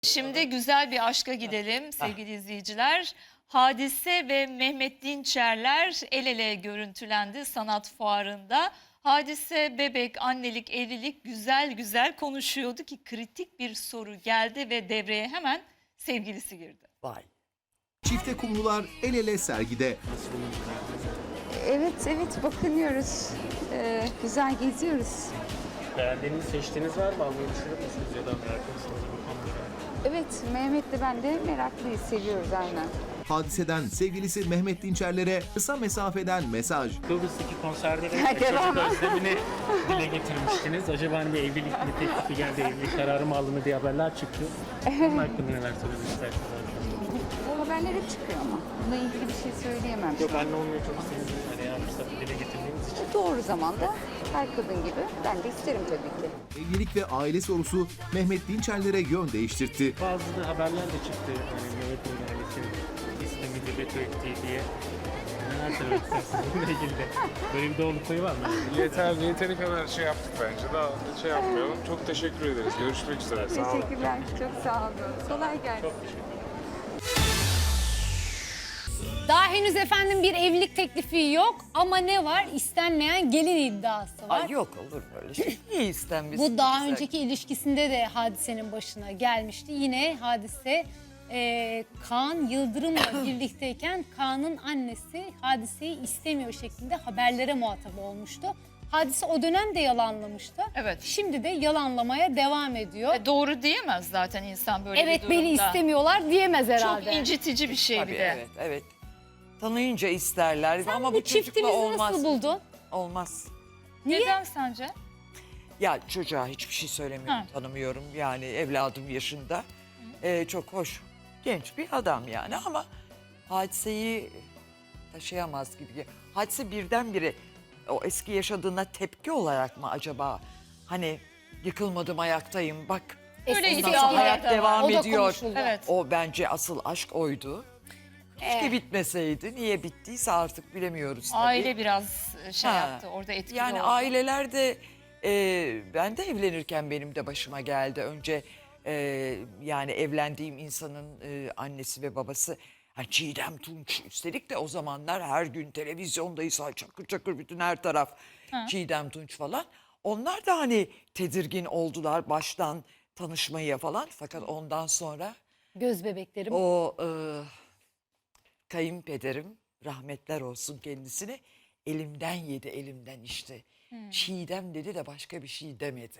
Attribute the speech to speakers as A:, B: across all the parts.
A: Şimdi güzel bir aşka gidelim sevgili izleyiciler. Hadise ve Mehmet Dinçerler el ele görüntülendi sanat fuarında. Hadise bebek, annelik, evlilik güzel güzel konuşuyordu ki kritik bir soru geldi ve devreye hemen sevgilisi girdi.
B: Vay.
C: Çifte kumrular el ele sergide.
D: Evet bakınıyoruz. Güzel geziyoruz.
E: Beğendiğiniz, seçtiğiniz var mı? Almayı düşünür müsünüz ya da meraklı mısınız bu konuda?
D: Evet, Mehmet'le ben de meraklıyız, seviyoruz aynen.
C: Hadiseden sevgilisi Mehmet Dinçerler'e kısa mesafeden mesaj.
E: Kıbrıs'taki konserde de
D: Ya, devam.
E: çocuk özlemini dile getirmiştiniz. Acaba hani bir evlilik mi teklifi geldi, evlilik kararı mı alındı diye haberler çıktı. Bunun hakkında neler söylemek istersiniz?
D: Bu haberler hep çıkıyor ama. Bununla ilgili bir şey söyleyemem.
E: Yok, anne olmayı çok istediniz. Hani yani fırsatı dile getirdiğiniz için.
D: Doğru zamanda her kadın gibi ben de isterim tabii ki.
C: Evlilik ve aile sorusu Mehmet Dinçerler'e yön değiştirdi.
E: Bazı da haberler de çıktı. Hani Mehmet Bey'in ailesinin istemini veto ettiği diye. Neler söylemek istersiniz bununla ilgili de? Böyle bir doğruluk payı var mı?
F: Yeteri kadar şey yaptık bence. Daha şey yapmayalım. Çok teşekkür ederiz. Görüşmek üzere. Sağ olun.
D: Teşekkürler, çok sağ olun. Kolay gelsin.
E: Çok teşekkür ederim.
G: Daha henüz efendim bir evlilik teklifi yok ama ne var? İstenmeyen gelin iddiası var.
B: Ay yok olur böyle şey. Niye istenmesin?
G: Bu daha
B: Güzel.
G: önceki ilişkisinde de Hadise'nin başına gelmişti. Yine Hadise Kaan Yıldırım'la birlikteyken Kaan'ın annesi Hadise'yi istemiyor şeklinde haberlere muhatap olmuştu. Hadise o dönem de yalanlamıştı.
A: Evet.
G: Şimdi de yalanlamaya devam ediyor.
A: Doğru diyemez zaten insan böyle
G: Evet
A: bir durumda.
G: beni istemiyorlar diyemez herhalde.
A: Çok incitici bir şey
B: Tabii,
A: bir de.
B: evet. Tanıyınca isterler
G: Sen
B: ama
G: bu
B: bu çocukla
G: çiftimizi
B: olmaz.
G: nasıl buldun?
B: Olmaz.
G: Niye?
A: Neden sence?
B: Ya çocuğa hiçbir şey söylemiyorum,
A: Ha.
B: tanımıyorum. Yani evladım yaşında. Çok hoş, genç bir adam yani ama hadiseyi taşıyamaz gibi. Hadise birdenbire o eski yaşadığına tepki olarak mı acaba? Hani yıkılmadım ayaktayım bak.
A: Öyle
B: Ondan
A: iddialar
B: sonra hayat
A: da var.
B: devam
G: O da
B: ediyor.
G: konuşuldu.
A: Evet.
B: O bence asıl aşk oydu. Keşke bitmeseydi. Niye bittiyse artık bilemiyoruz tabii.
A: Aile biraz şey
B: Ha.
A: yaptı orada etkili
B: Yani
A: oldu.
B: ailelerde ben de evlenirken benim de başıma geldi. Önce yani evlendiğim insanın annesi ve babası Çiğdem Tunç. Üstelik de o zamanlar her gün televizyondayız. Çakır çakır bütün her taraf Çiğdem Tunç falan. Onlar da hani tedirgin oldular baştan tanışmaya falan. Fakat ondan sonra
G: Göz bebeklerim.
B: o kayınpederim rahmetler olsun kendisine elimden yedi elimden işte. Çiğdem dedi de başka bir şey demedi.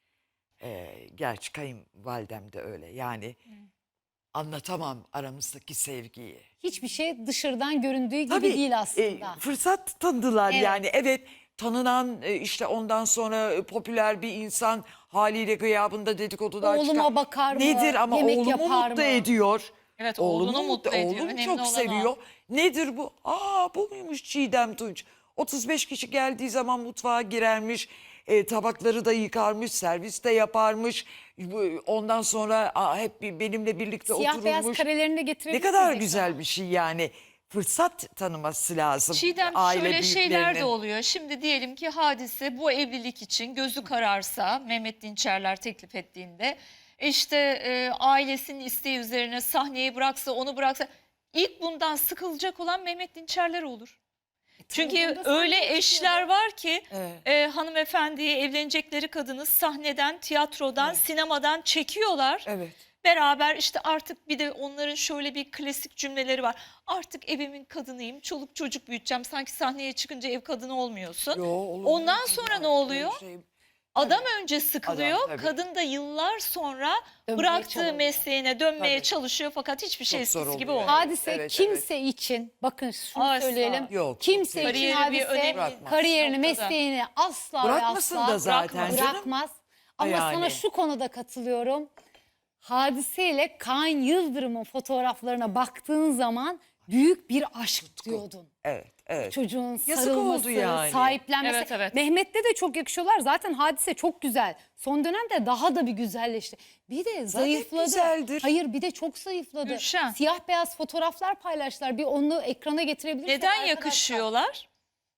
B: Gerçi kayınvalidem de öyle yani anlatamam aramızdaki sevgiyi.
G: Hiçbir şey dışarıdan göründüğü gibi
B: Tabii
G: değil aslında.
B: fırsat tanıdılar
G: Evet.
B: yani evet tanınan işte ondan sonra popüler bir insan haliyle gıyabında dedikodular
G: Oğluma
B: çıkar.
G: bakar mı?
B: Nedir ama
G: Yemek
B: oğlumu
G: yapar
B: mutlu
G: mı?
B: ediyor.
A: Evet, oğlunu mutlu ediyor.
B: Oğlum
A: Önemli
B: çok
A: olan o.
B: seviyor. Nedir bu? Bu muymuş Çiğdem Tunç? 35 kişi geldiği zaman mutfağa girermiş. Tabakları da yıkarmış, servis de yaparmış. Ondan sonra hep benimle birlikte
G: Siyah beyaz
B: otururmuş.
G: karelerini de
B: Ne
G: getirebilirsiniz.
B: kadar
G: ekrana.
B: güzel bir şey yani. Fırsat tanıması lazım.
A: Çiğdem
B: aile
A: şöyle şeyler de
B: büyüklerinin.
A: oluyor. Şimdi diyelim ki Hadise bu evlilik için gözü kararsa Mehmet Dinçerler teklif ettiğinde işte ailesinin isteği üzerine sahneyi bıraksa onu bıraksa ilk bundan sıkılacak olan Mehmet Dinçerler olur. Çünkü
G: onda
A: öyle
G: sahne
A: eşler var ki
B: Evet.
A: hanımefendiyi evlenecekleri kadını sahneden, tiyatrodan, sinemadan çekiyorlar.
B: Evet.
A: Beraber işte artık bir de onların şöyle bir klasik cümleleri var. Artık evimin kadınıyım, çoluk çocuk büyüteceğim. Sanki sahneye çıkınca ev kadını olmuyorsun.
B: Yo, olur mu?
A: Ondan sonra ne oluyor?
B: Şey-
A: Adam önce sıkılıyor,
B: Adam, tabii.
A: kadın da yıllar sonra
G: Dönmeye
A: bıraktığı
G: çalışıyor.
A: mesleğine dönmeye
B: Tabii.
A: çalışıyor fakat hiçbir şey
B: Çok zor
A: eskisi gibi
B: oluyor.
A: olmuyor.
G: Hadise
B: Evet,
G: kimse için bakın şunu
A: Asla.
G: söyleyelim.
B: Yok,
G: Kimse
B: çok
G: için
A: Kariyeri bir
G: Hadise
A: önemli
G: kariyerini,
A: noktada.
G: mesleğini asla ve
B: Bırakmasın
G: asla
B: da zaten canım.
G: bırakmaz. Ama
B: Yani.
G: sana şu konuda katılıyorum. Hadise ile Kaan Yıldırım'ın fotoğraflarına baktığın zaman büyük bir aşk diyordun.
B: Evet.
G: Çocuğun
B: Yazık
G: sarılması,
B: oldu yani.
G: sahiplenmesi.
A: Evet, evet.
G: Mehmet'le de çok yakışıyorlar. Zaten Hadise çok güzel. Son dönemde daha da bir güzelleşti. Bir de zayıfladı.
B: güzeldir.
G: Hayır bir de çok zayıfladı.
A: Gülşen.
G: Siyah beyaz fotoğraflar paylaştılar. Bir onu ekrana getirebilirsek
A: Neden
G: arkadaşlar.
A: yakışıyorlar?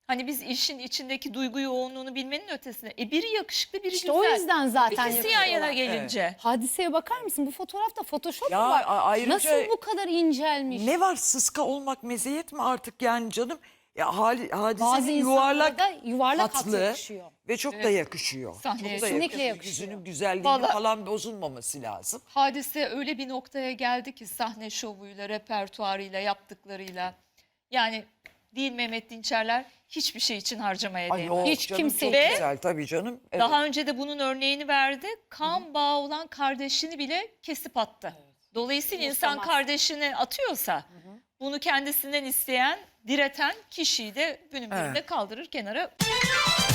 A: Hani biz işin içindeki duygu yoğunluğunu bilmenin ötesinde. Biri yakışıklı, biri
G: İşte
A: güzel.
G: o yüzden zaten
A: İkisi yan yana
G: yapıyorlar.
A: gelince.
G: Hadiseye bakar mısın? Bu fotoğrafta Photoshop
B: Ya,
G: mu var?
B: ayrıca-
G: Nasıl bu kadar incelmiş?
B: Ne var, sıska olmak meziyet mi artık yani canım? Ya
G: Bazı
B: Hadise'nin
G: yuvarlak yuvarlak hat
B: hatlı
G: yakışıyor.
B: ve çok da yakışıyor.
A: Sahneye
B: çok da
G: kesinlikle yakışıyor.
B: Yüzünün güzelliğinin
A: Vallahi-
B: falan bozulmaması lazım.
A: Hadise öyle bir noktaya geldi ki sahne şovuyla, repertuarıyla, yaptıklarıyla. Yani değil Mehmet Dinçerler hiçbir şey için harcamaya
B: Ay
A: değmez.
B: yok
G: Hiç
B: canım,
G: kimse-
B: çok
A: Ve-
B: güzel tabii canım. Evet.
A: Daha önce de bunun örneğini verdi. Kan bağı olan kardeşini bile kesip attı. Dolayısıyla insan
G: Umursamaz.
A: kardeşini atıyorsa bunu kendisinden isteyen, direten kişiyi de günün birinde
B: Evet.
A: kaldırır kenara.